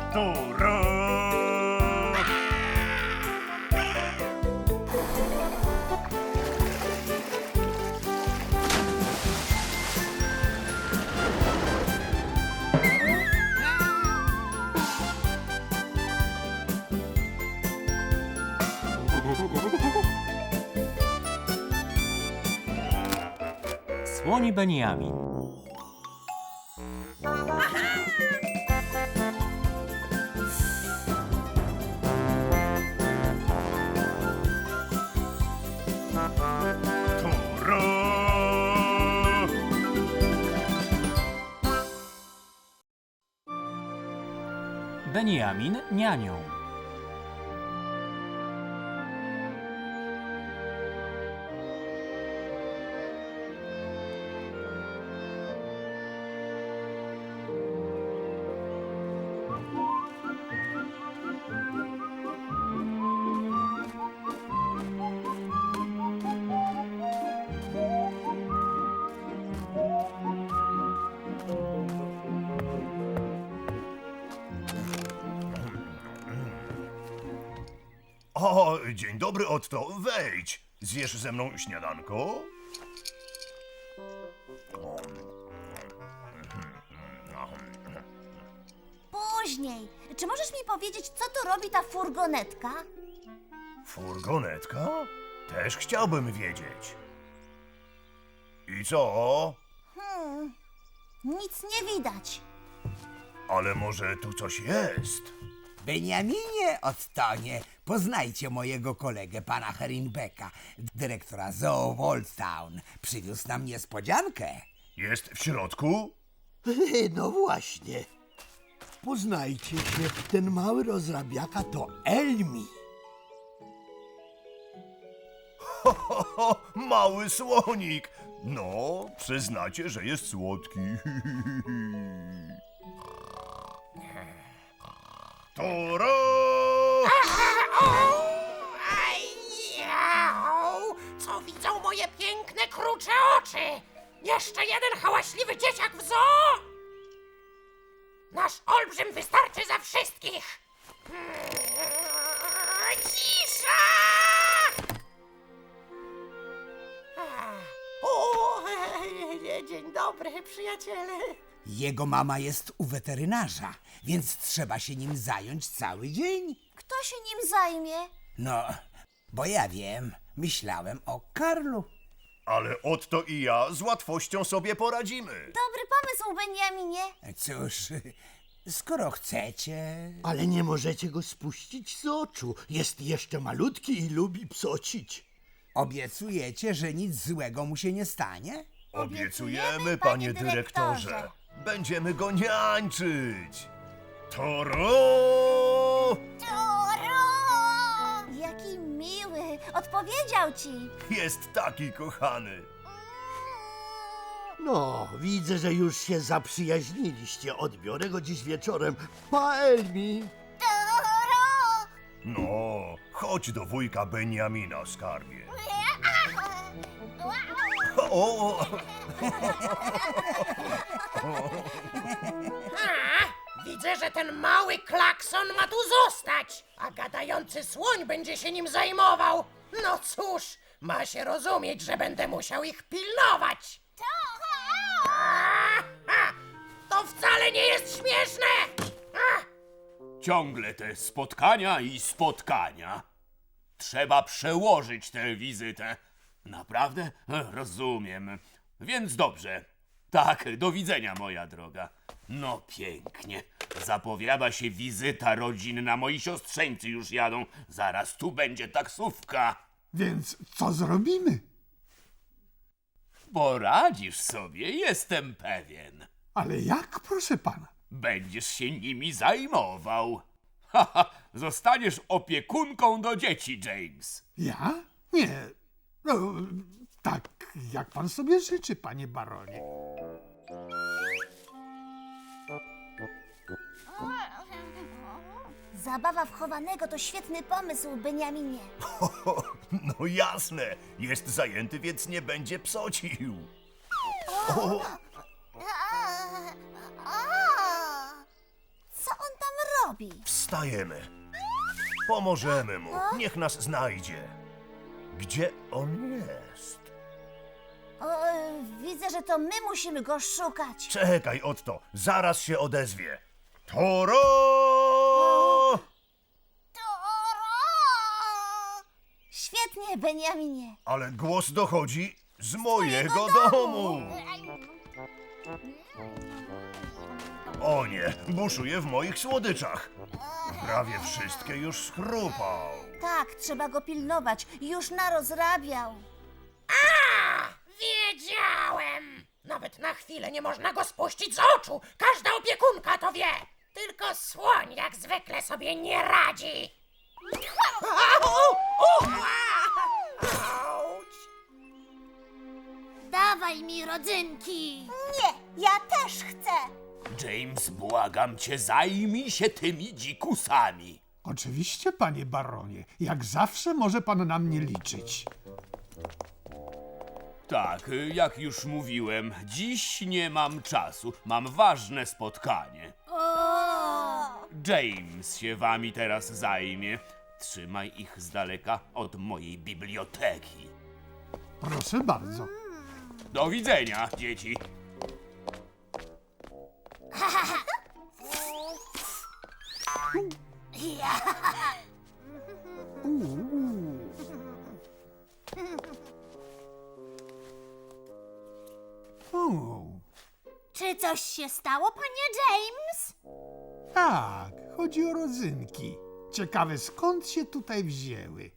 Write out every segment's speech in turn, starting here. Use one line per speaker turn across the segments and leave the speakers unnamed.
Toro!
Słoń Beniamin.
Toro!
Beniamin nianią.
O, dzień dobry, Otto. Wejdź. Zjesz ze mną śniadanko?
Później. Czy możesz mi powiedzieć, co tu robi ta furgonetka?
Furgonetka? Też chciałbym wiedzieć. I co?
Nic nie widać.
Ale może tu coś jest?
Beniaminie, Ottonie, poznajcie mojego kolegę, pana Herinbecka, dyrektora Zoo Old Town. Przywiózł nam niespodziankę.
Jest w środku?
No właśnie. Poznajcie się, ten mały rozrabiaka to Elmi.
Ho, mały słonik. No, przyznacie, że jest słodki. Toro!
Ajau! Co widzą moje piękne, krucze oczy? Jeszcze jeden hałaśliwy dzieciak w zoo? Nasz olbrzym wystarczy za wszystkich! Cisza! O, dzień dobry, przyjaciele.
Jego mama jest u weterynarza, więc trzeba się nim zająć cały dzień.
Kto się nim zajmie?
No, bo ja wiem, myślałem o Karlu.
Ale Otto i ja z łatwością sobie poradzimy.
Dobry pomysł, Beniaminie.
Cóż, skoro chcecie...
Ale nie możecie go spuścić z oczu. Jest jeszcze malutki i lubi psocić.
Obiecujecie, że nic złego mu się nie stanie?
Obiecujemy, panie dyrektorze. Będziemy go niańczyć. Toro!
Toro! Jaki miły. Odpowiedział ci.
Jest taki kochany.
No, widzę, że już się zaprzyjaźniliście. Odbiorę go dziś wieczorem. Pa, Elmi!
Toro!
No, chodź do wujka Beniamina, skarbie. O!
Widzę, że ten mały klakson ma tu zostać, a gadający słoń będzie się nim zajmował. No cóż, ma się rozumieć, że będę musiał ich pilnować. To wcale nie jest śmieszne!
Ciągle te spotkania i spotkania. Trzeba przełożyć tę wizytę. Naprawdę? Rozumiem. Więc dobrze. Tak, do widzenia, moja droga. No pięknie. Zapowiada się wizyta rodzinna. Moi siostrzeńcy już jadą. Zaraz tu będzie taksówka.
Więc co zrobimy?
Poradzisz sobie, jestem pewien.
Ale jak, proszę pana?
Będziesz się nimi zajmował. Haha, zostaniesz opiekunką do dzieci, James.
Ja? Nie. No, tak, jak pan sobie życzy, panie baronie.
Zabawa w chowanego to świetny pomysł, Beniaminie.
No jasne, jest zajęty, więc nie będzie psocił.
Co on tam robi?
Wstajemy. Pomożemy mu. Niech nas znajdzie. Gdzie on jest?
O, widzę, że to my musimy go szukać.
Czekaj, Otto. Zaraz się odezwie. Toro!
Świetnie, Beniaminie.
Ale głos dochodzi z mojego domu. O nie, buszuje w moich słodyczach. Prawie wszystkie już schrupał.
Tak, trzeba go pilnować. Już narozrabiał.
Wiedziałem! Nawet na chwilę nie można go spuścić z oczu. Każda opiekunka to wie. Tylko słoń jak zwykle sobie nie radzi. Auć!
Dawaj mi rodzynki. Nie, ja też chcę.
James, błagam cię, zajmij się tymi dzikusami.
Oczywiście, panie baronie. Jak zawsze może pan na mnie liczyć.
Tak, jak już mówiłem, dziś nie mam czasu. Mam ważne spotkanie. James się wami teraz zajmie. Trzymaj ich z daleka od mojej biblioteki.
Proszę bardzo.
Do widzenia, dzieci.
Czy coś się stało, panie James?
Tak, chodzi o rodzynki. Ciekawe, skąd się tutaj wzięły.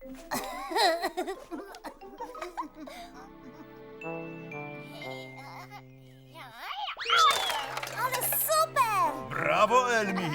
Ale super!
Brawo, Elmi!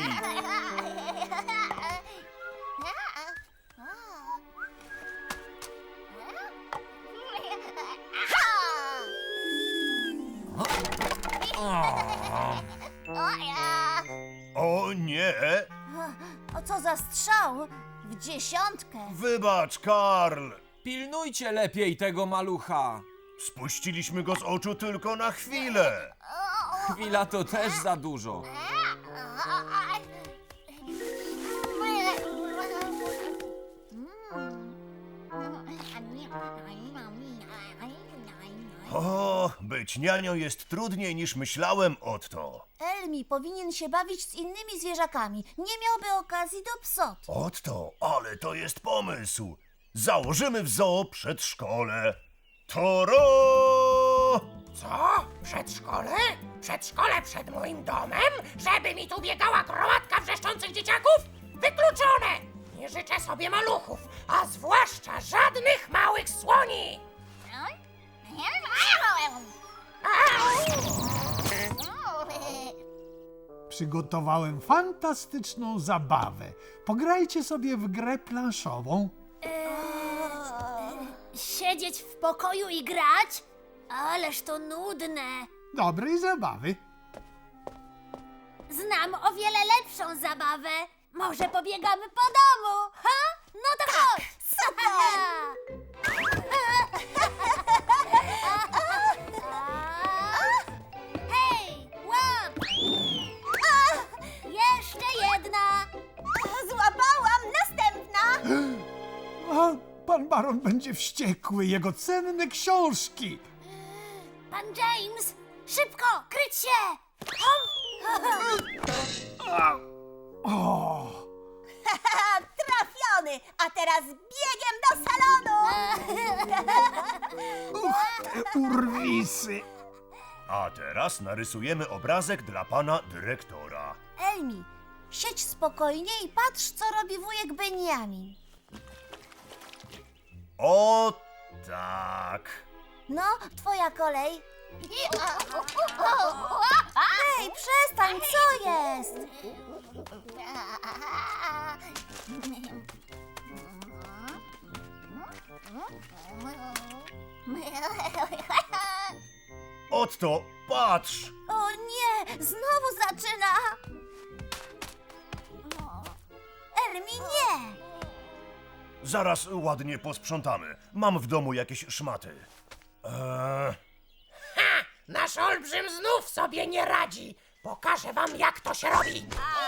O nie!
O co za strzał? W dziesiątkę.
Wybacz, Karl!
Pilnujcie lepiej tego malucha.
Spuściliśmy go z oczu tylko na chwilę.
Chwila to też za dużo.
O, być nianią jest trudniej niż myślałem, Otto.
Elmi powinien się bawić z innymi zwierzakami. Nie miałby okazji do psot.
Otto, ale to jest pomysł. Założymy w zoo przedszkole. Toro!
Co? Przedszkole? Przedszkole przed moim domem? Żeby mi tu biegała gromadka wrzeszczących dzieciaków? Wykluczone! Nie życzę sobie maluchów, a zwłaszcza żadnych małych słoni!
Przygotowałem fantastyczną zabawę. Pograjcie sobie w grę planszową.
Siedzieć w pokoju i grać? Ależ to nudne.
Dobrej zabawy.
Znam o wiele lepszą zabawę. Może pobiegamy po domu, ha? No to chodź! Super! Hej, łap! Jeszcze jedna! Złapałam! Następna!
A pan baron będzie wściekły. Jego cenne książki.
Pan James! Szybko! Kryć się!
O,
Trafiony! A teraz biegiem do salonu!
te urwisy.
A teraz narysujemy obrazek dla pana dyrektora.
Elmi, siedź spokojnie i patrz, co robi wujek Beniamin.
O tak.
No, twoja kolej. Hej, przestań, co jest?
Otto, patrz!
O nie, znowu zaczyna. Elmi, nie.
Zaraz ładnie posprzątamy. Mam w domu jakieś szmaty.
Nasz olbrzym znów sobie nie radzi. Pokażę wam, jak to się robi.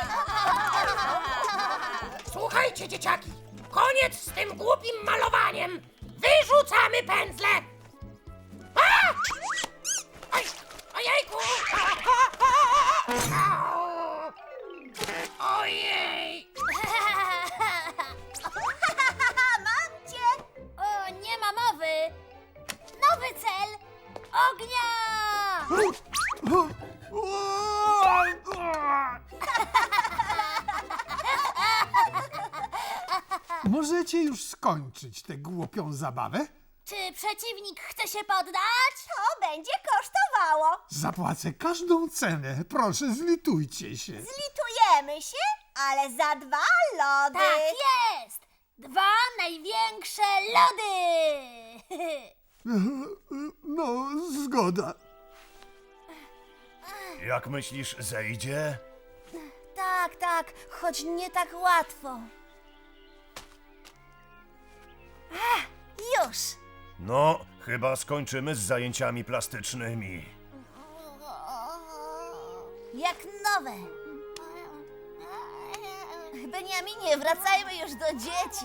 Słuchajcie, dzieciaki, koniec z tym głupim malowaniem. Wyrzucamy pędzle. A! Oj, ojejku! Ojej!
Mam cię! O, nie ma mowy! Nowy cel! Ognia!
Możecie już skończyć tę głupią zabawę?
Czy przeciwnik chce się poddać? To będzie kosztowało.
Zapłacę każdą cenę. Proszę, zlitujcie się.
Zlitujemy się, ale za 2 lody. Tak jest! 2 największe lody!
No, zgoda.
Jak myślisz, zejdzie?
Tak, choć nie tak łatwo. Już!
No, chyba skończymy z zajęciami plastycznymi.
Jak nowe. Beniaminie, wracajmy już do dzieci.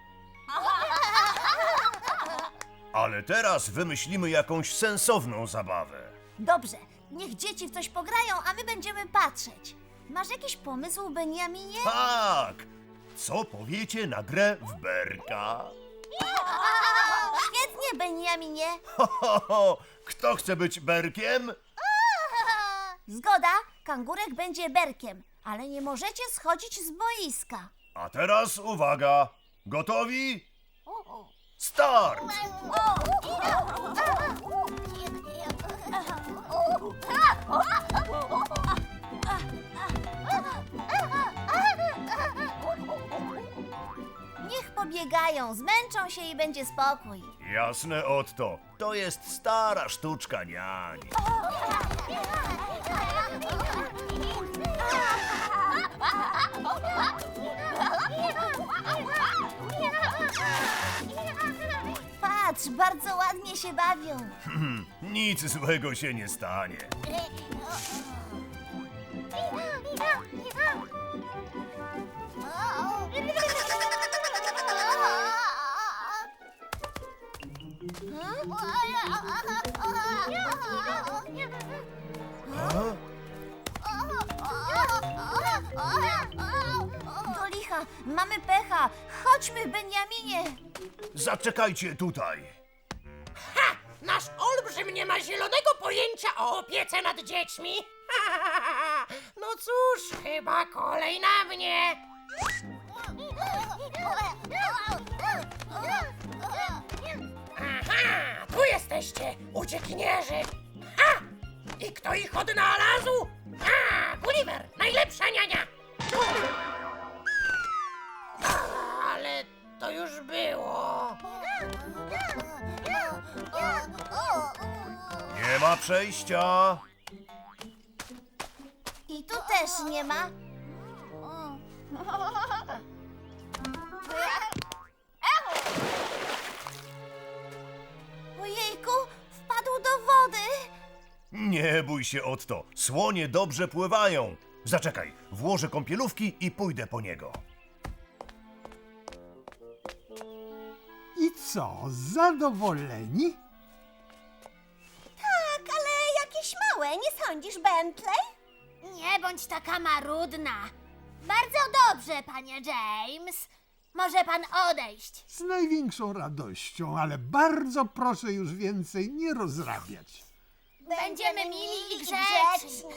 Ale teraz wymyślimy jakąś sensowną zabawę.
Dobrze, niech dzieci w coś pograją, a my będziemy patrzeć. Masz jakiś pomysł, Beniaminie?
Tak! Co powiecie na grę w berka?
Świetnie, Beniaminie.
Kto chce być berkiem?
Zgoda, kangurek będzie berkiem, ale nie możecie schodzić z boiska.
A teraz uwaga! Gotowi? Start!
Niech pobiegają, zmęczą się i będzie spokój.
Jasne, Otto. To jest stara sztuczka niań.
Patrz, bardzo ładnie się bawią.
Nic złego się nie stanie.
Do licha, mamy pecha. Chodźmy, Beniaminie.
Zaczekajcie tutaj.
Ha! Nasz olbrzym nie ma zielonego pojęcia o opiece nad dziećmi. No cóż, chyba kolej na mnie. Aha, tu jesteście, uciekinierzy. Ha! I kto ich odnalazł? A, Gulliver, najlepsza niania. Ale to już było.
Nie ma przejścia.
I tu też nie ma. Ojejku, wpadł do wody.
Nie bój się, Otto. Słonie dobrze pływają. Zaczekaj, włożę kąpielówki i pójdę po niego.
I co, zadowoleni?
Tak, ale jakieś małe, nie sądzisz, Bentley? Nie bądź taka marudna. Bardzo dobrze, panie James. Może pan odejść.
Z największą radością, ale bardzo proszę już więcej nie rozrabiać.
Będziemy mili i grzeczni.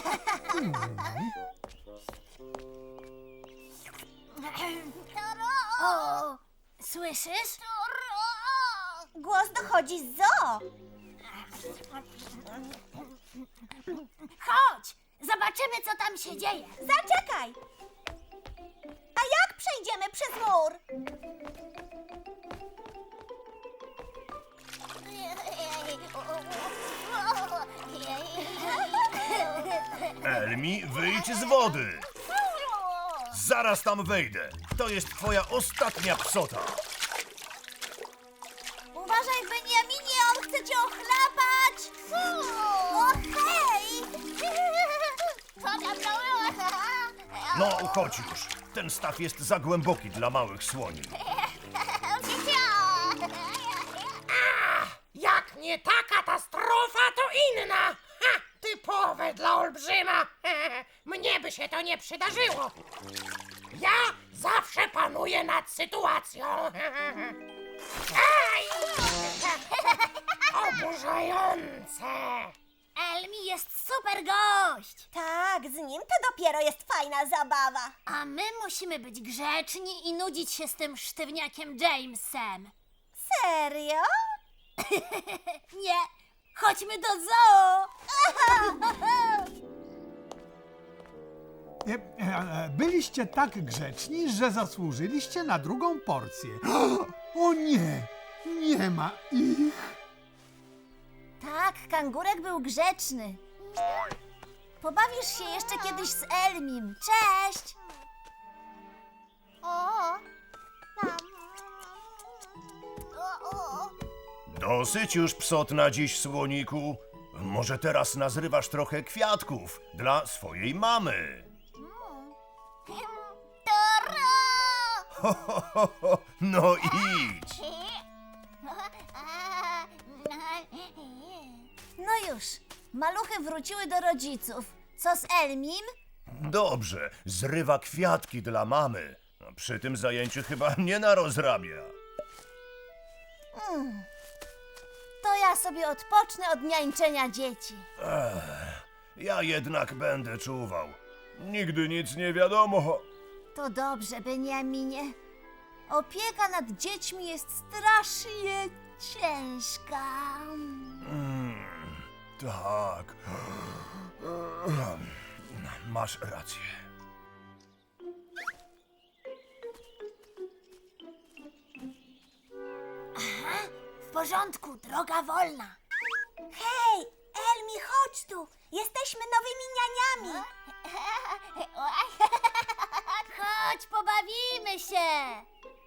O, słyszysz? Głos dochodzi z zoo. Chodź, zobaczymy, co tam się dzieje. Zaczekaj. A jak przejdziemy przez mur?
Elmi, wyjdź z wody. Zaraz tam wejdę. To jest twoja ostatnia psota.
Uważaj, Beniaminie, on chce cię ochlapać! O, hej!
No, chodź już. Ten staw jest za głęboki dla małych słoni.
Jak nie ta katastrofa, to inna! Ha! Typowe dla olbrzyma! Mnie by się to nie przydarzyło! Ja zawsze panuję nad sytuacją! Aj! Oburzające!
Elmi jest super gość!
Tak, z nim to dopiero jest fajna zabawa.
A my musimy być grzeczni i nudzić się z tym sztywniakiem Jamesem.
Serio?
Nie, chodźmy do zoo!
Byliście tak grzeczni, że zasłużyliście na drugą porcję. O nie, nie ma ich.
Tak, kangurek był grzeczny. Pobawisz się jeszcze kiedyś z Elmim. Cześć!
Dosyć już psot na dziś, słoniku. Może teraz nazrywasz trochę kwiatków dla swojej mamy. Ho, ho, ho, ho. No idź.
No już, maluchy wróciły do rodziców. Co z Elmim?
Dobrze, zrywa kwiatki dla mamy. Przy tym zajęciu chyba nie narozrabia.
To ja sobie odpocznę od niańczenia dzieci.
Ja jednak będę czuwał. Nigdy nic nie wiadomo.
To dobrze, Beniaminie. Opieka nad dziećmi jest strasznie ciężka.
Tak. Masz rację.
W porządku, droga wolna.
Hej, Elmi, chodź tu. Jesteśmy nowymi nianiami.
Chodź, pobawimy się.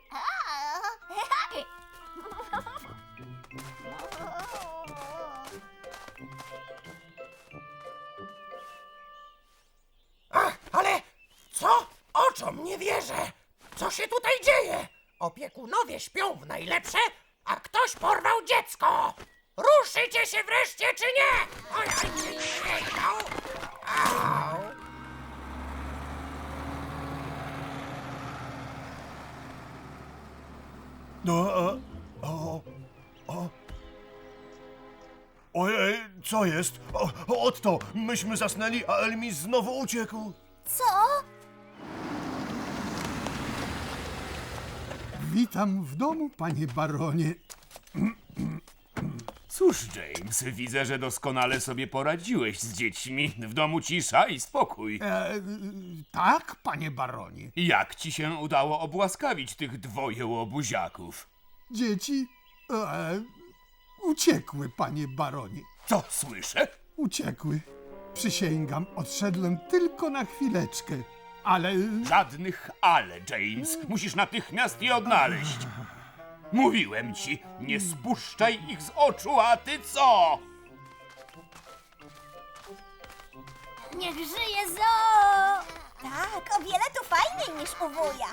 Ach, ale co? Oczom nie wierzę! Co się tutaj dzieje? Opiekunowie śpią w najlepsze, a ktoś porwał dziecko! Ruszycie się wreszcie, czy nie? Oj, au! Au!
No, Ojej, co jest? Otto, myśmy zasnęli, a Elmi znowu uciekł.
Co?
Witam w domu, panie baronie.
Cóż, James, widzę, że doskonale sobie poradziłeś z dziećmi. W domu cisza i spokój.
Tak, panie baronie.
Jak ci się udało obłaskawić tych dwoje łobuziaków?
Dzieci uciekły, panie baronie.
Co słyszę?
Uciekły. Przysięgam, odszedłem tylko na chwileczkę. Ale
Żadnych ale, James. Musisz natychmiast je odnaleźć. Mówiłem ci, nie spuszczaj ich z oczu, a ty co?
Niech żyje zoo!
Tak, o wiele tu fajniej niż u wuja.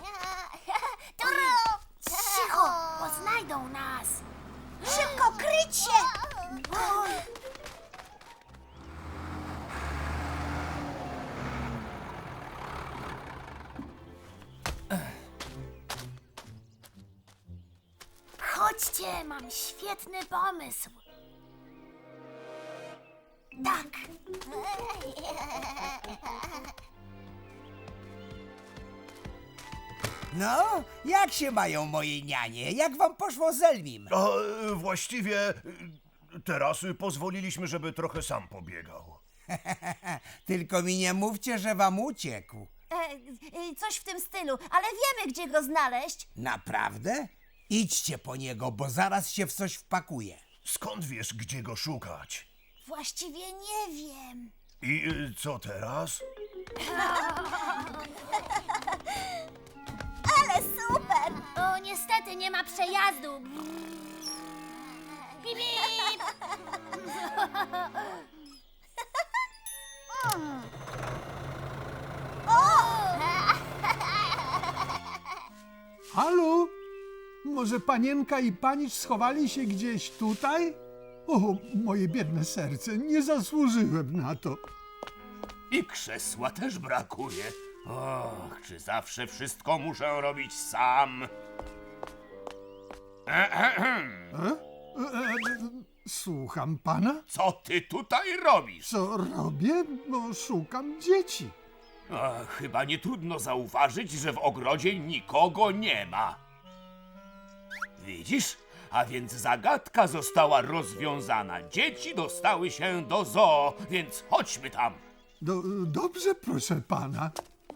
Cicho, bo znajdą nas.
Szybko, kryć się!
Chodźcie, mam świetny pomysł. Tak.
No, jak się mają moje nianie? Jak wam poszło z Elmim?
A właściwie teraz pozwoliliśmy, żeby trochę sam pobiegał.
Tylko mi nie mówcie, że wam uciekł.
Coś w tym stylu, ale wiemy, gdzie go znaleźć.
Naprawdę? Idźcie po niego, bo zaraz się w coś wpakuje.
Skąd wiesz, gdzie go szukać?
Właściwie nie wiem.
I co teraz?
Ale super!
O, niestety nie ma przejazdu. Bip, bip.
Halo? Może panienka i panicz schowali się gdzieś tutaj? O, moje biedne serce, nie zasłużyłem na to.
I krzesła też brakuje. Och, czy zawsze wszystko muszę robić sam?
Słucham pana?
Co ty tutaj robisz?
Co robię? No, szukam dzieci.
Chyba nie trudno zauważyć, że w ogrodzie nikogo nie ma. Widzisz? A więc zagadka została rozwiązana. Dzieci dostały się do zoo, więc chodźmy tam.
Dobrze, proszę pana.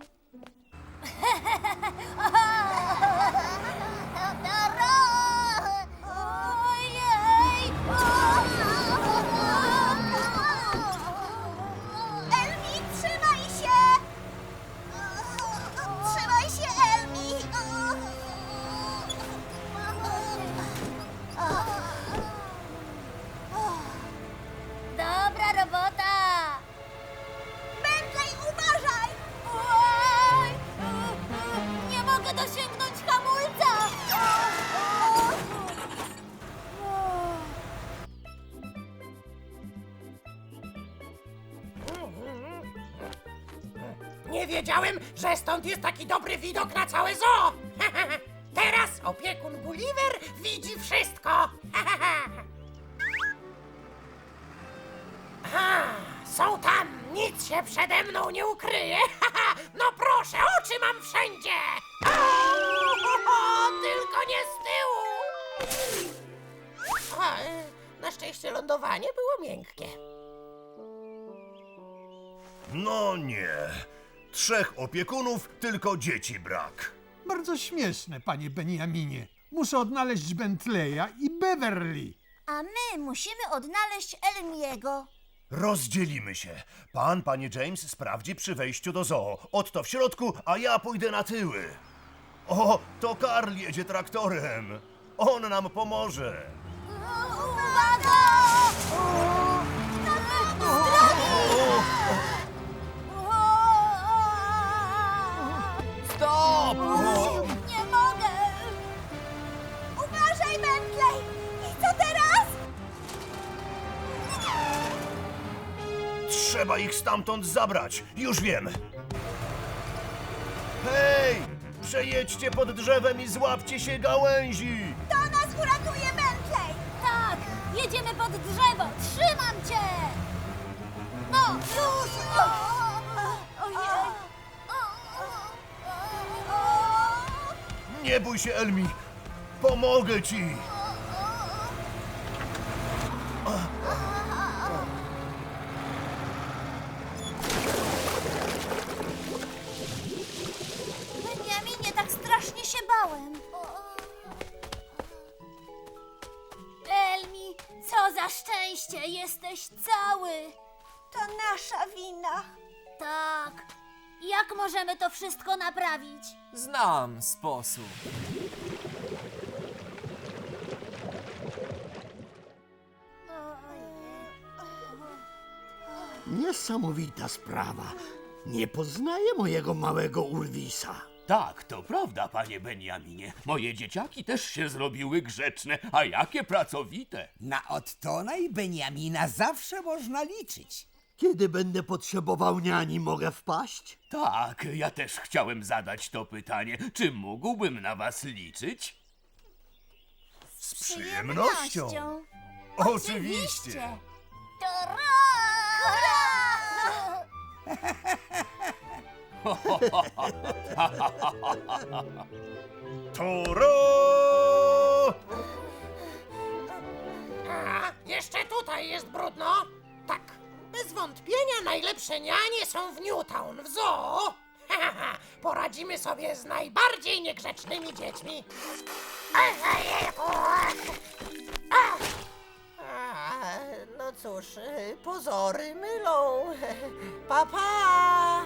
Ojej! Elmi, trzymaj się! Trzymaj się, Elmi! Dobra robota! Bentley, uważaj! Oj! Nie mogę dosięgnąć hamulca!
Nie wiedziałem, że stąd jest taki dobry widok na całe zoo. Teraz opiekun Gulliver widzi wszystko. Są tam, nic się przede mną nie ukryje. No proszę, oczy mam wszędzie. Tylko nie z tyłu. Na szczęście lądowanie było miękkie.
No nie. 3 opiekunów, tylko dzieci brak.
Bardzo śmieszne, panie Beniaminie. Muszę odnaleźć Bentleya i Beverly.
A my musimy odnaleźć Elmiego.
Rozdzielimy się. Pan, panie James, sprawdzi przy wejściu do zoo. Otto w środku, a ja pójdę na tyły. O, to Karl jedzie traktorem. On nam pomoże.
Uwaga!
Stop!
Nie mogę! Uważaj, Bentley! I co teraz?
Trzeba ich stamtąd zabrać. Już wiem. Hej! Przejedźcie pod drzewem i złapcie się gałęzi.
To nas uratuje, Bentley! Tak! Jedziemy pod drzewo! Trzymam cię! No, już! Ojej!
Nie bój się, Elmi. Pomogę ci.
Beniaminie, tak strasznie się bałem.
Elmi, co za szczęście! Jesteś cały!
To nasza wina.
Tak. Jak możemy to wszystko naprawić?
Znam sposób.
Niesamowita sprawa. Nie poznaję mojego małego Urwisa.
Tak, to prawda, panie Beniaminie. Moje dzieciaki też się zrobiły grzeczne, a jakie pracowite.
Na Ottona i Beniamina zawsze można liczyć.
Kiedy będę potrzebował niani, mogę wpaść?
Tak, ja też chciałem zadać to pytanie. Czy mógłbym na was liczyć?
Z przyjemnością. Oczywiście. Toro!
A, jeszcze tutaj jest brudno. Tak, bez wątpienia najlepsze nianie są w Newtown, w zoo. Poradzimy sobie z najbardziej niegrzecznymi dziećmi. No cóż, pozory mylą. Pa, pa!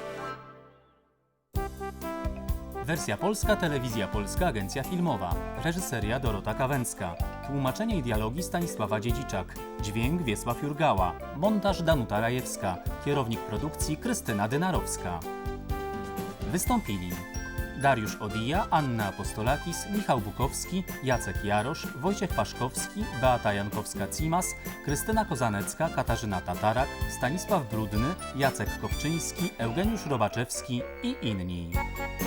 Wersja polska, Telewizja Polska, Agencja Filmowa. Reżyseria Dorota Kawęcka. Tłumaczenie i dialogi Stanisława Dziedziczak. Dźwięk Wiesław Jurgała. Montaż Danuta Rajewska. Kierownik produkcji Krystyna Dynarowska. Wystąpili Dariusz Odija, Anna Apostolakis, Michał Bukowski, Jacek Jarosz, Wojciech Paszkowski, Beata Jankowska-Cimas, Krystyna Kozanecka, Katarzyna Tatarak, Stanisław Brudny, Jacek Kopczyński, Eugeniusz Robaczewski i inni.